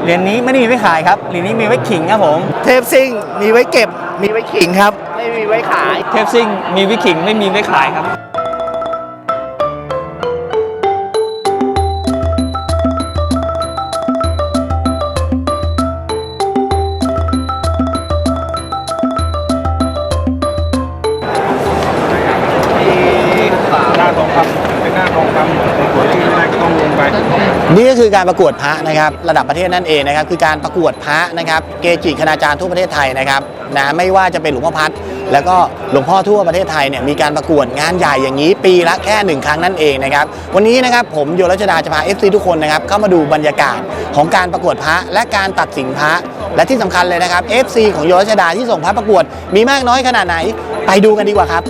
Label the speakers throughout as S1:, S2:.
S1: เหรียญนี้ไม่ได้มีไว้ขายครับเหรียญนี้มีไว้ขิงครับผม
S2: เทพซิ่งมีไว้เก็บมีไว้ขิงครับไม่มีไว้ขาย
S1: เทปซิ่งมีไว้ขิงไม่มีไว้ขายครับ
S3: หน้าทองคำเป็นหน้าทองคำสวยที่ไม่ได้ก็ต้องลงไป
S2: นี่ก็คือการประกวดพระนะครับระดับประเทศนั่นเองนะครับคือการประกวดพระนะครับเกจิคณาจารย์ทั่วประเทศไทยนะครับนะไม่ว่าจะเป็นหลวงพ่อพัดแล้วก็หลวงพ่อทั่วประเทศไทยเนี่ยมีการประกวดงานใหญ่อย่างนี้ปีละแค่1 ครั้งนั่นเองนะครับวันนี้นะครับผมโยรัชดาจะพา FC ทุกคนนะครับเข้ามาดูบรรยากาศของการประกวดพระและการตัดสินพระและที่สำคัญเลยนะครับ FC ของโยรัชดาที่ส่งพระประกวดมีมากน้อยขนาดไหนไปดูกันดีกว่าครับ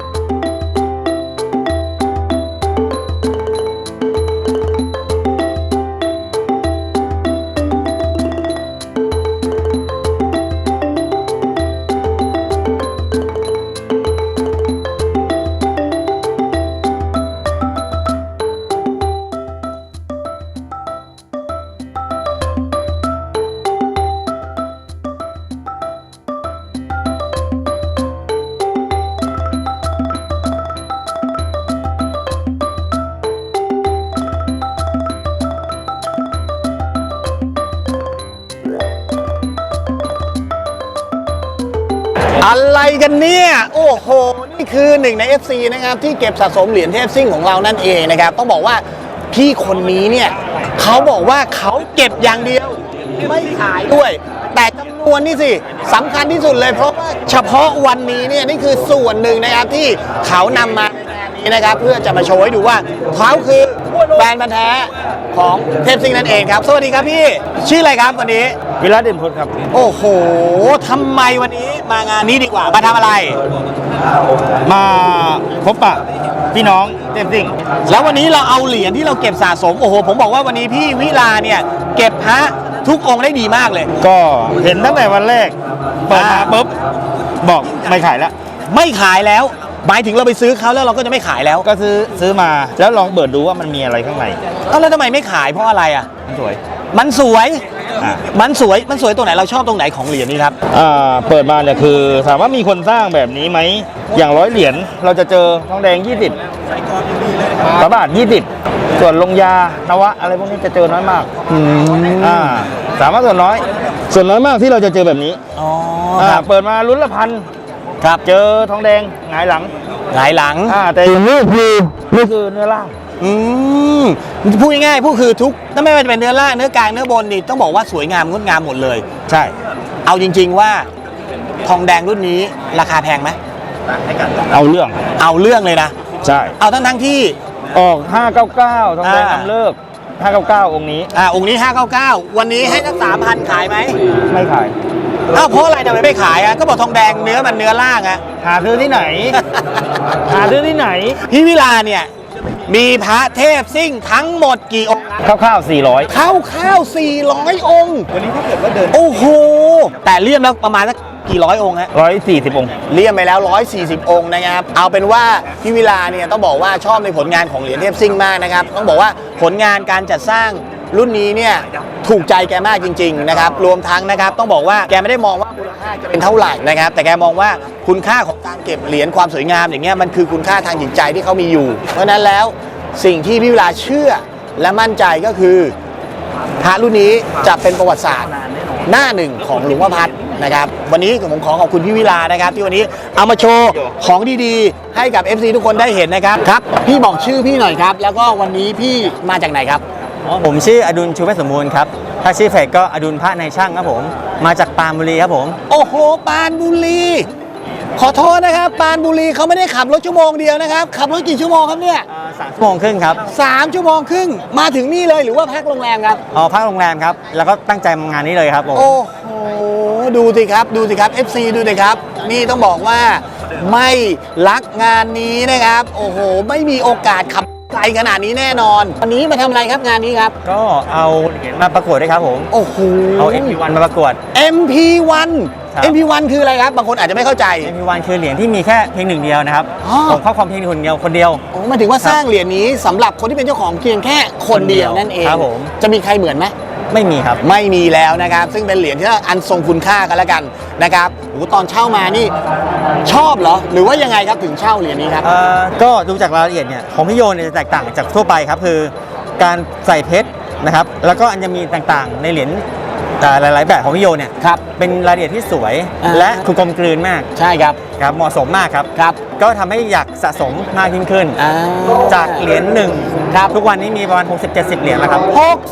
S2: อะไรกันเนี่ยโอ้โหนี่คือหนึ่งใน FC นะครับที่เก็บสะสมเหรียญเทพซิ่งของเรานั่นเองนะครับต้องบอกว่าพี่คนนี้เนี่ยเขาบอกว่าเขาเก็บอย่างเดียวไม่ขายด้วย แต่จำนวนนี่สิสำคัญที่สุดเลยเพราะว่าเฉพาะวันนี้เนี่ยนี่คือส่วนหนึ่งนะครับที่เขานำมาในงานนี้นะครับเพื่อจะมาโชว์ให้ดูว่าเขาคือแฟนพันธุ์แท้ของเทพซิ่งนั่นเองครับสวัสดีครับพี่ชื่ออะไรครับวันนี้
S3: วิรัตเด่นพลครับ
S2: โอ้โหทำไมวันนี้มางานนี้ดีกว่า มาทำอะไร
S3: มาพบปะพี่น้องเต็มสิ่ง
S2: แล้ววันนี้เราเอาเหรียญที่เราเก็บสะสม โอ้โห ผมบอกว่าวันนี้พี่วิลาเนี่ยเก็บพระทุกองค์ได้ดีมากเลย
S3: ก็เห็นตั้งแต่วันแรกเปิดมาปุ๊บบอกไม่ขายแล้ว
S2: ไม่ขายแล้ว หมายถึงเราไปซื้อเขาแล้วเราก็จะไม่ขายแล้ว
S3: ก็ซื้อมาแล้วลองเปิดดูว่ามันมีอะไรข้างใน
S2: เอ้าแล้วทำไมไม่ขายเพราะอะไรอ่ะ
S3: มันสวย
S2: มันสวย
S3: อ่ะ
S2: มันสวยตรงไหนเราชอบตรงไหนของเหรียญนี้ครับ
S3: เปิดมาเนี่ยคือถามว่ามีคนสร้างแบบนี้ไหมอย่าง100 เหรียญเราจะเจอทองแดง20พระบาท20ส่วนลงยานวะอะไรพวกนี้จะเจอน้อยมากสามารถส่วนน้อยมากที่เราจะเจอแบบนี้
S2: อ๋อครับ
S3: เปิดมาลุ้นละพัน
S2: ครับ
S3: เจอทองแดงหงายหลัง
S2: หลายหลัง
S3: แต่อย่างนี้คือนี่คือเนื้อล่าง
S2: พูดง่ายๆพูดคือทุกถ้าไม่ว่าจะเป็นเนื้อล่างเนื้อกลางเนื้อบนนี่ต้องบอกว่าสวยงามงดงามหมดเลย
S3: ใช่
S2: เอาจริงๆว่าทองแดงรุ่นนี้ราคาแพงไหม
S3: เอาเรื่อง
S2: เอาเรื่องเลยนะ
S3: ใช่
S2: เอาทั้งที่
S3: ออก599ทองแดงนำเลิก599องค์นี้
S2: องค์นี้599วันนี้ให้สัก3,000ขายไหม
S3: ไม่ขาย
S2: อ้าวเพราะอะไรทำไมไม่ขายก็บอกทองแดงเนื้อมันเนื้อล่างอะ
S3: หาซื้อที่ไหน หาซื้อที่ไหน
S2: พี่วิลาเนี่ยมีพระเทพซิ่งทั้งหมดกี่องค์
S3: คร่าวๆ400
S2: ข้าว400 องค์วันนี้ถ้าเกิดว่าเดินโอ้โหแต่เลี่ยมแล้วประมาณสักกี่ร้อยองค์ฮะ
S3: 140องค์
S2: เลี่ยมไปแล้ว140 องค์นะครับเอาเป็นว่าพี่วิลาเนี่ยต้องบอกว่าชอบในผลงานของเหรียญเทพซิ่งมากนะครับต้องบอกว่าผลงานการจัดสร้างรุ่นนี้เนี่ยถูกใจแกมากจริงๆนะครับรวมทั้งนะครับต้องบอกว่าแกไม่ได้มองว่ามูลค่าจะเป็นเท่าไหร่นะครับแต่แกมองว่าคุณค่าของการเก็บเหรียญความสวยงามอย่างเงี้ยมันคือคุณค่าทางจิตใจที่เขามีอยู่เพราะฉะนั้นแล้วสิ่งที่พี่วิลาเชื่อและมั่นใจก็คือพระรุ่นนี้จะเป็นประวัติศาสตร์หน้าหนึ่งของหลวงพ่อพัดนะครับวันนี้ผมขอขอบคุณพี่วิลานะครับที่วันนี้เอามาโชว์ของดีๆให้กับ FC ทุกคนได้เห็นนะครับครับพี่บอกชื่อพี่หน่อยครับแล้วก็วันนี้พี่มาจากไหนครับ
S1: ผมชื่ออดุลชูเวชสมบูรณ์ครับถ้าชื่อเพจก็อดุลพระในช่างครับผมมาจากปรานบุรีครับผม
S2: โอ้โหปรานบุรีขอโทษนะครับปรานบุรีเขาไม่ได้ขับรถชั่วโมงเดียวนะครับขับรถกี่ชั่วโมงครับเนี่ย
S1: 3 ชั่วโมงครึ่งครับ
S2: 3 ชั่วโมงครึ่งมาถึงนี่เลยหรือว่าพักโรงแรมครับ
S1: พักโรงแรมครับแล้วก็ตั้งใจมางานนี้เลยครับผม
S2: โอ้โหดูสิครับ FC ดูสิครับนี่ต้องบอกว่าไม่รักงานนี้นะครับโอ้โหไม่มีโอกาสขับไกลขนาดนี้แน่นอนวันนี้มาทำอะไรครับงานนี้ครับ
S1: ก็เอาเหรียญมาประกวดด้วยครับผม
S2: โอ้โห
S1: เอา MP1 มาประกวด
S2: MP1
S1: ครับ
S2: MP1 คืออะไรครับบางคนอาจจะไม่เข้าใจ
S1: MP1 คือเหรียญที่มีแค่เพียงหนึ่งเดียวนะครับ
S2: อ๋อ
S1: ผมครอบครองเพียงคนเดียว
S2: โอ้หมายถึงว่าสร้างเหรียญนี้สำหรับคนที่เป็นเจ้าของเพียงแค่คนเดียวนั่นเอง
S1: ครับผม
S2: จะมีใครเหมือนไหม
S1: ไม่มีครับ
S2: ไม่มีแล้วนะครับซึ่งเป็นเหรียญที่อันทรงคุณค่ากันแล้วกันนะครับโอ้ตอนเช่ามานี่ชอบเหรอหรือว่ายังไงครับถึงเช่าเหรียญนี้ครับ
S1: ก็ดูจากรายละเอียดเนี่ยของพี่โยเนี่ยจะแตกต่างจากทั่วไปครับคือการใส่เพชรนะครับแล้วก็อันจะมีต่างๆในเหรียญหลายๆแบบของพี่โยเนี่ย
S2: ครับ
S1: เป็นรายละเอียดที่สวย
S2: อ่า
S1: และคือกลมกลืนมาก
S2: ใช่ครับ
S1: ครับเหมาะสมมากครับ
S2: ครับ
S1: ก็ทำให้อยากสะสมมากยิ่งขึ้น จากเหรียญหนึ่ง
S2: ครับ
S1: ทุกวันนี้มีประมาณ 60-70 เหรียญแล้วครับ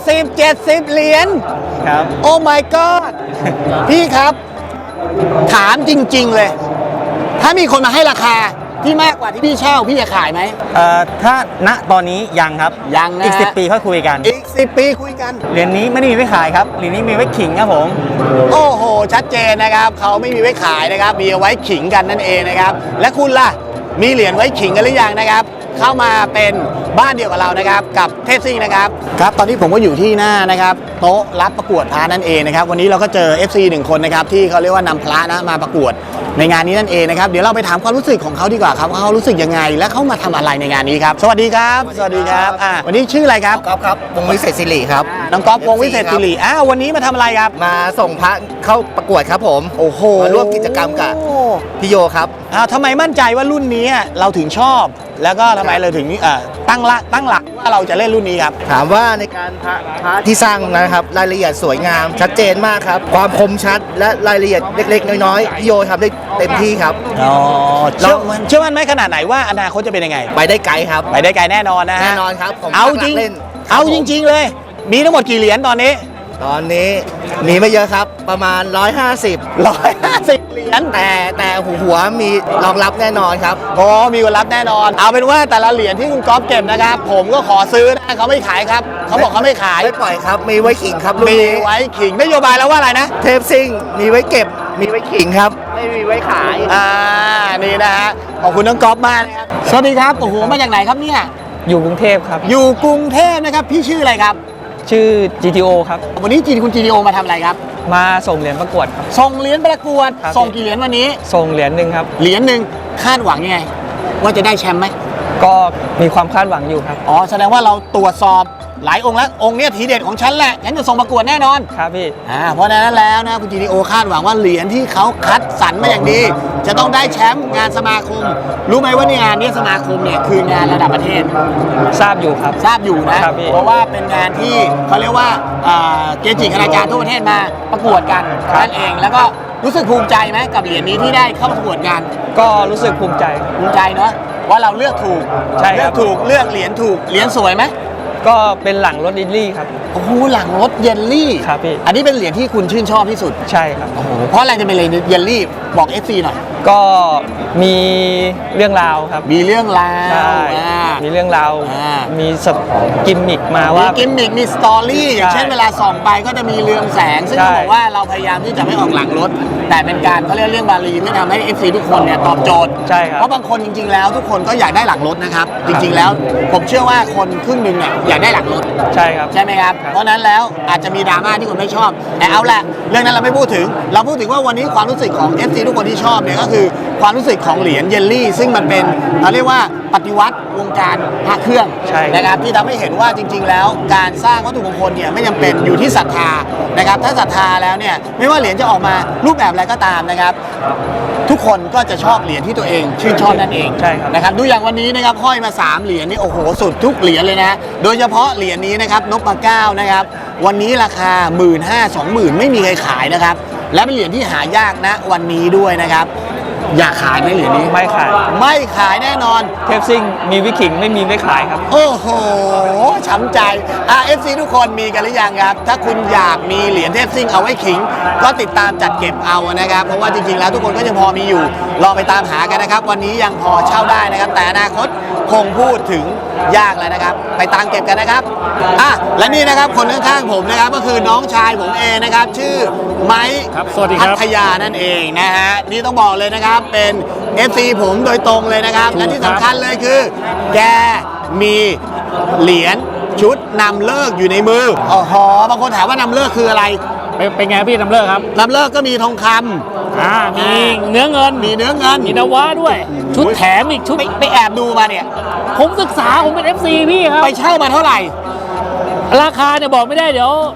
S2: 60-70 เหรียญ
S1: ครับ
S2: โอ้ my god พี่ครับ ถามจริง ๆ เลย ถ้ามีคนมาให้ราคาที่มากกว่าที่พี่เช่าพี่จะขายไหม
S1: ถ้าณตอนนี้ยังครับ
S2: ยังนะ
S1: อีก 10 ปีค่อยคุยกัน
S2: อีก 10 ปีคุยกัน
S1: เหรียญนี้ไม่ได้มีไว้ขายครับเหรียญนี้มีไว้ขิงครับผม
S2: โอ้โห ชัดเจนนะครับเขาไม่มีไว้ขายนะครับ มีเอาไว้ขิงกันนั่นเองนะครับ และคุณล่ะ มีเหรียญไว้ขิงกันหรือยังนะครับ เข้ามาเป็นบ้านเดียวกับเรานะครับ กับเทพซิ่งนะครับครับตอนนี้ผมก็อยู่ที่หน้านะครับโต๊ะรับประกวดพระนั่นเองนะครับวันนี้เราก็เจอ FC 1 คนนะครับที่เขาเรียกว่านำพระนะมาประกวดในงานนี้นั่นเองนะครับเดี๋ยวเราไปถามความรู้สึกของเขาดีกว่าครับว่าเขารู้สึกยังไงและเขามาทำอะไรในงานนี้ครับสวัสดีครับสวัสดีครับวันนี้ชื่ออะไรครับ
S4: ก๊อฟครับวงวิเศษศิริครับ
S2: น้องก๊อฟวงวิเศษศิริวันนี้มาทำอะไรครับ
S4: มาส่งพระเข้าประกวดครับผม
S2: โอ้โห
S4: มาร่วมกิจกรรมกับพี่โยครับ
S2: ทำไมมั่นใจว่ารุ่นนี้เราถึงชอบ แล้วก็ทำไมเราถึงตั้งหลักว่าเราจะเล่นรุ่นนี้ครับ
S4: ถามว่าในการพระที่สร้างนะครับรายละเอียดสวยงามชัดเจนมากครับ ความคมชัดและรายละเอียดเล็กๆน้อยๆพี่โยทำได้เต็มที่ครับ
S2: เชื่อมั่นไหมขนาดไหนว่าอนาคตจะเป็นยังไง
S4: ไปได้ไกลครับ
S2: ไปได้ไกลแน่นอนนะฮะ
S4: แน่นอนครับผม
S2: เอาจริง
S4: เล่น
S2: เอาจริง ๆ เลย มีทั้งหมดกี่เหรียญตอนนี้
S4: ตอนนี้มีไม่เยอะครับประมาณ 150
S2: 150 เหรียญ
S4: แต่หัวมีรองรับแน่นอนครับ
S2: โอ้มีคนรับแน่นอน เอาเป็นว่าแต่ละเหรียญที่คุณก๊อฟเก็บนะครับ ผมก็ขอซื้อนะเขาไม่ขายครับเขาบอกเขาไม่ขาย
S4: ไม่ปล่อยครับมีไว้ขิงครับรุ่น
S2: มี
S4: นี้
S2: ไว้ขิงนโยบายแล้วว่าอะไรนะ
S4: เทปซิ่งมีไว้เก็บมีไว้ขิงครับ ไม่มีไว้ขาย
S2: นี่นะฮะขอบคุณน้องก๊อฟมากนะครับสวัสดีครับโอ้โหมาจากไหนครับเนี่ย
S1: อยู่กรุงเทพครับ
S2: อยู่กรุงเทพนะครับพี่ชื่ออะไรครับ
S1: ชื่อ GTO ครับ
S2: วันนี้คุณ GTO มาทำอะไรครับ
S1: มาส่งเหรียญประกวดครับ
S2: ส่งเหรียญประกวด
S1: ครับ
S2: ส่งกี่เหรียญวันนี้
S1: ส่งเหรียญหนึ่งครับ
S2: เหรียญหนึ่งคาดหวังยังไง ว่าจะได้แชมป์ไหม
S1: ก็มีความคาดหวังอยู่ครับ
S2: อ๋อแสดงว่าเราตรวจสอบหลายองค์แล้วองค์เนี้ยทีเด็ดของฉันแหละฉันจะส่งประกวดแน่นอน
S1: ครับพี่
S2: เพราะฉะนั้นแล้วนะคุณ GTO คาดหวังว่าเหรียญที่เขาคัดสรรมาอย่างดี จะต้องได้แชมป์งานสมาคม รู้ไหมว่าในงานนี้สมาคมเนี่ยคืองานระดับประเทศ
S1: ทราบอยู่ครับ
S2: ทราบอยู่นะ
S1: ครับพี่
S2: เพราะว่าเป็นงานที่เขาเรียกว่าเกจิคณาจารย์ทั่วประเทศมาประกวดกันนั่นเอง แล้วก็รู้สึกภูมิใจไหมกับเหรียญนี้ที่ได้เข้าประกวดงาน
S1: ก็รู้สึกภูมิใจ
S2: ภูมิใจเนาะว่าเราเลือกถูก
S1: ใช่ครับ
S2: เลือกถูกเลือกเหรียญถูกเหรียญสวยไหม
S1: ก็เป็นหลังรถดิลลี่ครับ
S2: โอ้โหหลังรถเยลลี่
S1: ครับพี่
S2: อันนี้เป็นเหรียญที่คุณชื่นชอบที่สุด
S1: ใช่ครับ
S2: โอ้โหเพราะอะไรจะเป็นเหรียญเยลลี่บอก FC หน่อย
S1: ก็มีเรื่องราวครับ
S2: มีเรื่องราว
S1: ใช่ มีเรื่องราว มีกิมมิกมา
S2: มี
S1: ว่า
S2: กิมมิกมีสตอรี่อย่างเช่นเวลาส่องไปก็จะมีเรืองแสง ซึ่ง
S1: ใช่
S2: เขาบอกว่าเราพยายามที่จะไม่ออกหลังรถ แต่เป็นการเขาเรียกเรื่องบาลีที่ทำให้ FC ทุกคนเนี่ยตอบโจทย์
S1: ใช่ครับ
S2: เพราะบางคนจริงๆแล้วทุกคนก็อยากได้หลังรถนะครับ จริงๆแล้วผมเชื่อว่าคนครึ่งหนึ่งเนี่ยอยากได้หลังรถ
S1: ใช่ครับ
S2: ใช่ไหมครับ
S1: ครับ
S2: เพราะนั้นแล้วอาจจะมีดราม่าที่คนไม่ชอบ แต่เอาละเรื่องนั้นเราไม่พูดถึง เราพูดถึงว่าวันนี้ความรู้สึกของ FC ทุกคนที่ชอบเนี่ยก็คือความรู้สึกของเหรียญเยลลี่ ซึ่งมันเป็นเราเรียกว่าปฏิวัติวงการพระเครื่อง
S1: ใช่
S2: นะครับที่ทำให้เห็นว่าจริง ๆ แล้วการสร้างวัตถุมงคลเนี่ยไม่จำเป็นอยู่ที่ศรัทธานะครับถ้าศรัทธาแล้วเนี่ยไม่ว่าเหรียญจะออกมารูปแบบอะไรก็ตามนะครับ ทุกคนก็จะชอบเหรียญที่ตัวเองชื่นชอบนั่นเอง
S1: ใช่ครับ
S2: นะครับดูอย่างวันนี้นะครับห้อยมา3เหรียญนี่โอ้โหสุดทุกเหรียญเลยนะโดยเฉพาะเหรียญนี้นะครับนพเก้านะครับวันนี้ราคา 15,000-20,000 ไม่มีใครขายนะครับและเป็นเหรียญที่หายากนะวันนี้ด้วยนะครับอยากขายไหมเหรียญนี้
S1: ไม่ขาย
S2: ไม่ขายแน่นอน
S1: เทปซิ่งมีวิขิงไม่มีไว้ขายครับ
S2: โอ้โห ช้ำใจ FC ทุกคนมีกันหรือยังครับ ถ้าคุณอยากมีเหรียญเทพซิ่งเอาไว้ขิง ก็ติดตามจัดเก็บเอานะครับ เพราะว่าจริงๆ แล้วทุกคนก็ยังพอมีอยู่ ลองไปตามหากันนะครับ วันนี้ยังพอเช่าได้นะครับ แต่อนาคตคงพูดถึงยากแล้วนะครับ ไปตามเก็บกันนะครับ และนี่นะครับคนข้างๆผมนะครับก็คือน้องชายผมเองนะครับ ชื่อไม้
S5: ครับสวัสดีครับ
S2: พัทยานั่นเองนะฮะ นี่ต้องบอกเลยนะครับ เป็น FC ผมโดยตรงเลยนะครับ และที่สำคัญเลยคือ แกมีเหรียญชุดนำเลิกอยู่ในมืออ๋อบางคนถามว่านำเลิกคืออะไร
S5: เป็นไงพี่นำเลิกครับ
S2: นำเลิกก็มีทองคำ
S5: มีเนื้อเงิน
S2: มีเนื้อเงิน
S5: มีนวะด้วย ชุดแถมอีกชุด
S2: ไปแอบดูมาเนี่ย
S5: ผมศึกษาผมเป็น FC พี่ครับ
S2: ไปเช่ามาเท่าไหร่
S5: ราคาเนี่ยบอกไม่ได้เดี๋ยว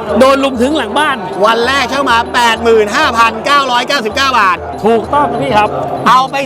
S5: โดนลุมถึงหลังบ้าน
S2: วันแรกเช่ามา 85,999 บาท
S5: ถูกต้องครับพี่ครับ
S2: เอาไป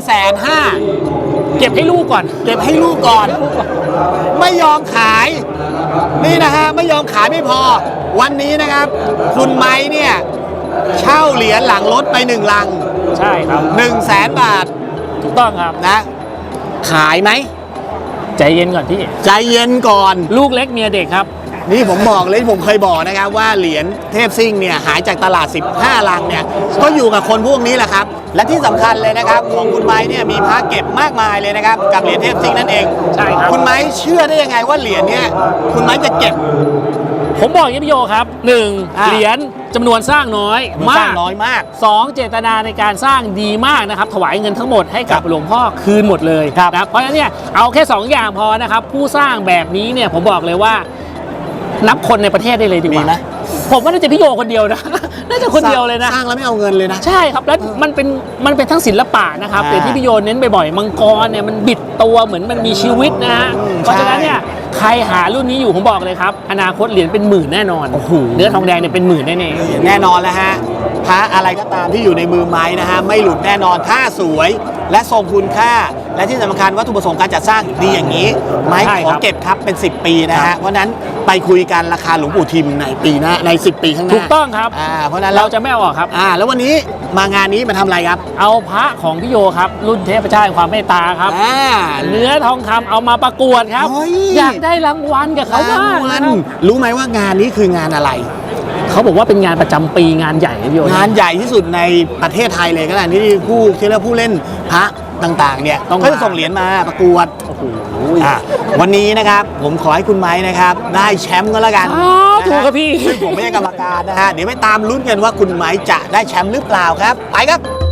S2: 150,000
S5: เก็บให้ลูกก่อน
S2: เก็บให้ลูกก่อน ไม่ยอมขาย นี่นะฮะไม่ยอมขายไม่พอ วันนี้นะครับ คุณไม้เนี่ยเช่าเหรียญหลังรถไป1 ลัง
S5: ใช่ครับ
S2: 100,000 บาท
S5: ถูกต้องครับ
S2: นะ ขายไหม
S5: ใจเย็นก่อนพี่
S2: ใจเย็นก่อน
S5: ลูกเล็กเมียเด็กครับ
S2: นี่ผมบอกเลยผมเคยบอกนะครับว่าเหรียญเทพซิ่งเนี่ยหายจากตลาด 15 ลังเนี่ยก็อยู่กับคนพวกนี้แหละครับ และที่สำคัญเลยนะครับของคุณไม้เนี่ยมีพระเก็บมากมายเลยนะครับกับเหรียญเทพซิ่งนั่นเอง
S5: ใช่ครับ
S2: คุณไม้เชื่อได้ยังไงว่าเหรียญเนี่ยคุณไม้จะเก็บ
S5: ผมบอกอย่างนี้พี่โยครับ
S2: อ่า
S5: 1. เหรียญจำนวนสร้างน้อย
S2: มันสร้างน้อยมาก
S5: 2. เจตนาในการสร้างดีมากนะครับ ถวายเงินทั้งหมดให้กับหลวงพ่อคืนหมดเลยนะเพราะฉะนั้นเนี่ยเอาแค่ 2 อย่างพอนะครับ ผู้สร้างแบบนี้เนี่ยผมบอกเลยว่า นับคนในประเทศได้เลยดีก
S2: มี
S5: ว่า
S2: ไหม
S5: ผมว่าน่าจะพี่โยคนเดียวนะ น่าจะคนเดียวเลยนะ
S2: สร้างแล้วไม่เอาเงินเลยนะ
S5: ใช่ครับ แล้วมันเป็นทั้งศิลปะนะครับ
S2: อ่า
S5: อย่างที่พี่โยเน้นบ่อยๆมังกรเนี่ยมันบิดตัวเหมือนมันมีชีวิตนะฮะ เพราะฉะนั้นเนี่ยใครหารุ่นนี้อยู่ผมบอกเลยครับ อนาคตเหรียญเป็นหมื่นแน่นอน เนื้อทองแดงเนี่ยเป็นหมื่นแน่ๆ
S2: แน่นอนแล้วฮะพระอะไรก็ตามที่อยู่ในมือไม้นะฮะไม่หลุดแน่นอนถ้าสวยและทรงคุณค่า และที่สำคัญวัตถุประสงค์การจัดสร้างดีอย่างนี้ ไม้
S5: ใช่
S2: ข
S5: ค
S2: อ
S5: รับ
S2: เก็บครับเป็น 10 ปีนะฮะเพราะฉะนั้นไปคุยกันราคาหลวงปู่ทิมในปีหน้าใน 10 ปีข้างหน้า
S5: ถูกต้องครับ
S2: เพราะฉะนั้น
S5: เราจะไม่เอาออกครับ
S2: แล้ววันนี้มางานนี้มาทำอะไรครับ
S5: เอาพระของพี่โยครับ รุ่นเทพเจ้าแห่งความเมตตาครับ เนื้อทองคำเอามาประกวดครับ
S2: เฮ้ย
S5: อยากได้รางวัลกับเขาบ้าง
S2: วั
S5: นะ
S2: น
S5: ครับ
S2: รู้ไหมว่างานนี้คืองานอะไร
S5: เขาบอกว่าเป็นงานประจำปีงานใหญ่นะพี่โย
S2: งานใหญ่ที่สุดในประเทศไทยเลยก็ได้ที่ที่เรียกผู้เล่นพระต่างๆเนี่ยเขาจะส่งเหรียญมาประกวด
S5: โอ้โห
S2: วันนี้นะครับผมขอให้คุณไม้นะครับได้แชมป์ก็แล้วกัน
S5: ถูกครับพี่
S2: ซึ่งผมไม่ใช่กรรมการนะฮะเดี๋ยวไปตามลุ้นกันว่าคุณไม้จะได้แชมป์หรือเปล่าครับไปครับ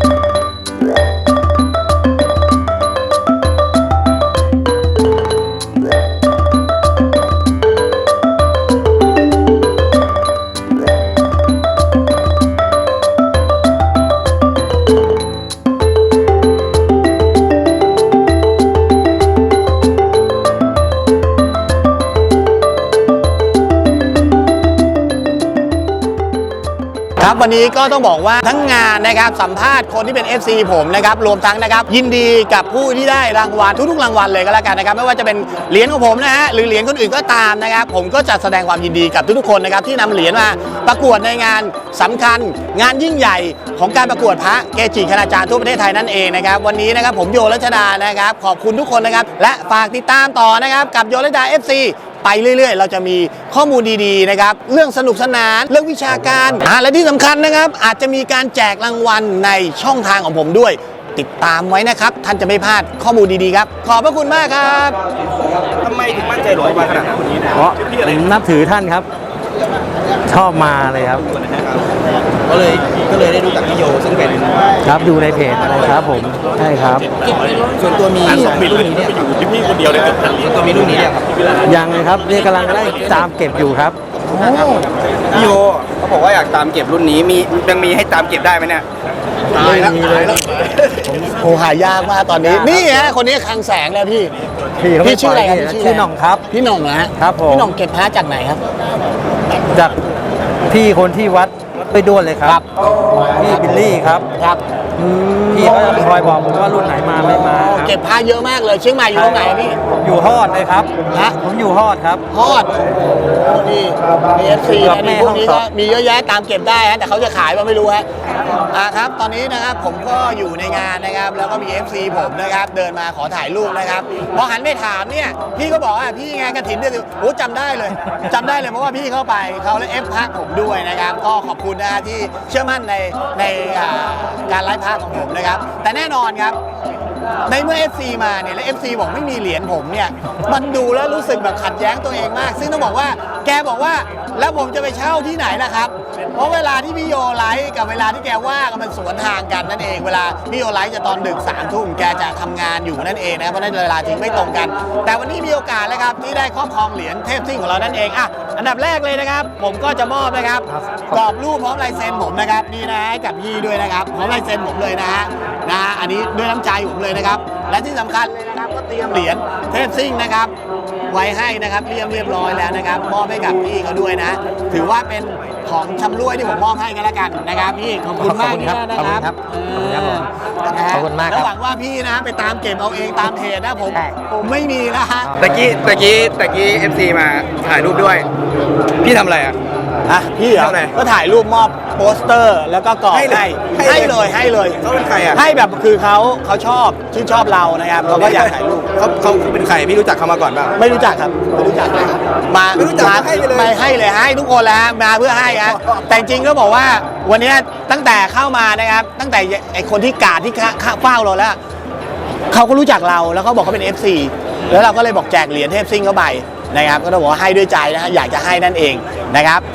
S2: ครับวันนี้ก็ต้องบอกว่าทั้งงานนะครับสัมภาษณ์คนที่เป็น FC ผมนะครับรวมทั้งนะครับยินดีกับผู้ที่ได้รางวัลทุกๆรางวัลเลยก็แล้วกันนะครับไม่ว่าจะเป็นเหรียญของผมนะฮะหรือเหรียญคนอื่นก็ตามนะครับผมก็จะแสดงความยินดีกับทุกๆคนนะครับที่นำเหรียญมาประกวดในงานสำคัญงานยิ่งใหญ่ของการประกวดพระเกจิคณาจารย์ทั่วประเทศไทยนั่นเองนะครับวันนี้นะครับผมโยรัชดานะครับขอบคุณทุกคนนะครับและฝากติดตามต่อนะครับกับโยรัชดา FCไปเรื่อยๆ เราจะมีข้อมูลดีๆนะครับเรื่องสนุกสนานเรื่องวิชาการและที่สำคัญนะครับอาจจะมีการแจกรางวัลในช่องทางของผมด้วย ติดตามไว้นะครับท่านจะไม่พลาดข้อมูลดีๆครับขอบพระคุณมากครับ
S3: ทำไมถึงมั่นใจหลวงพ่อขนาดนั้น
S1: เพราะผมนับถือท่านครับ ชอบมาเลยครับ
S4: ก็เลยได้รู้จักพี่โยซึ่งเป็น
S1: ครับดูในเพจครับผมใช่ครับ
S4: ส่วนตัวมีรุ่นนี้เนี่ยอยู่ที่พี่คนเดียวเลยส่วนตัวมีรุ่นนี้เนี่ยครับ
S1: ยังเลยครับนี่กำลังได้ตามเก็บอยู่ครับ
S6: พี่โยเขาบอกว่าอยากตามเก็บรุ่นนี้ยังมีให้ตามเก็บได้ไหมเนี่ย
S2: ตายแล้วโอ้หายากมากตอนนี้นี่ฮะคนนี้คลังแสงแล้วพี่ พี่ชื่ออะไรครับพี่
S1: ชื่อหน่องครับ
S2: พี่หน่องนะฮะ
S1: ครับผม
S2: พี่หน่องเก็บพระจากไหนครับ
S1: จากพี่คนที่วัดไปด้วนเลยครับ พี่บิลลี่ครับ
S2: ครับ
S1: พี่เขาจะคอยบอกผมว่ารุ่นไหนมาไม่มาครับ
S2: เก็บพระเยอะมากเลยเชียงใหม่อยู่ตรงไหนพี่
S1: ผมอยู่ฮอดเลยครับ
S2: ฮะ
S1: ผมอยู่ฮอดครับ
S2: ฮอดนี่มี FC
S1: เกือบ
S2: นะ
S1: แม่
S2: นี่พวกนี้
S1: ห้
S2: ก็
S1: องสอบ
S2: มีเยอะแยะตามเก็บได้ฮะแต่เขาจะขายว่าไม่รู้ฮะครับตอนนี้นะครับผมก็อยู่ในงานนะครับแล้วก็มี FC ผมนะครับเดินมาขอถ่ายรูปนะครับพอหันไปถามเนี่ยพี่ก็บอกว่าพี่ไงกฐินเดือนโอ้จำได้เลยจำได้เลยเพราะว่าพี่เข้าไปเขาและเอฟพักผมด้วยนะครับก็ขอบคุณนะที่เชื่อมั่นในการไลฟ์พาของผมนะครับแต่แน่นอนครับในเมื่อ FC มาเนี่ยและ FC บอกไม่มีเหรียญผมเนี่ยมันดูแล้วรู้สึกแบบขัดแย้งตัวเองมาก ซึ่งต้องบอกว่าแกบอกว่าแล้วผมจะไปเช่าที่ไหนล่ะครับเพราะเวลาที่พี่โยไลฟ์กับเวลาที่แกว่างมันสวนทางกันนั่นเองเวลาพี่โยไลฟ์จะตอนดึก3 ทุ่มแกจะทำงานอยู่นั่นเองนะครับเพราะนั้นเวลาจริงไม่ตรงกัน แต่วันนี้มีโอกาสแล้วครับที่ได้ครอบครองเหรียญเทพซิ่งของเรานั่นเองอันดับแรกเลยนะครับผมก็จะมอบนะครับกรอบรูปพร้อมลายเซ็นผมนะครับนี่นะให้กับพี่ด้วยนะครับพร้อมลายเซ็นผมเลยนะฮะอันนี้ด้วยน้ำใจผมเลยนะครับและที่สำคัญเลยนะครับก็เตรียมเหรียญเทพซิ่งนะครับไว้ให้นะครับเรียบร้อยแล้วนะครับมอบให้กับพี่เขาด้วยนะ ถือว่าเป็นของชำร่วยที่ผมมอบให้กันแล้วกันนะครับพี่ขอบคุณมากที่นะครับ
S1: ขอบคุณมากครับ
S2: แล้วหวังว่าพี่นะไปตามเก็บเอาเองตามเพจนะผมไม่มีนะฮะ
S6: ตะกี้ FC มาถ่ายรูปด้วย พี่ทำอะไรอ่ะ
S2: อ่ะพี่เหรอ
S6: เท่าไหร่
S2: ก็ถ่ายรูปมอบโปสเตอร์แล้วก็กรอบ
S6: ให้เลย
S2: ให้เลย
S6: เขาเป็นใครอ่ะ
S2: ให้แบบคือเขาชอบชื่นชอบเรานะครับเขาก็อยากถ่ายรูป
S6: เขาเป็นใครพี่รู้จักเขามาก่อนเปล่า
S2: ไม่รู้จักครับไม่รู้จักเลยมา
S6: ไม่รู้จักให้ไปเลย
S2: ไม่ให้เลยให้ทุกคนแล้วฮะมาเพื่อให้ฮะแต่จริงๆก็บอกว่าวันนี้ตั้งแต่เข้ามานะครับตั้งแต่ไอคนที่กาดที่เฝ้าเราแล้วเขาก็รู้จักเราแล้วเขาบอกเขาเป็น FC แล้วเราก็เลยบอกแจกเหรียญเทพซิ่งเข้าไปนะครับก็ต้องบอกว่าให้ด้วยใจนะฮะอยากจะให้นั่นเองนะครับ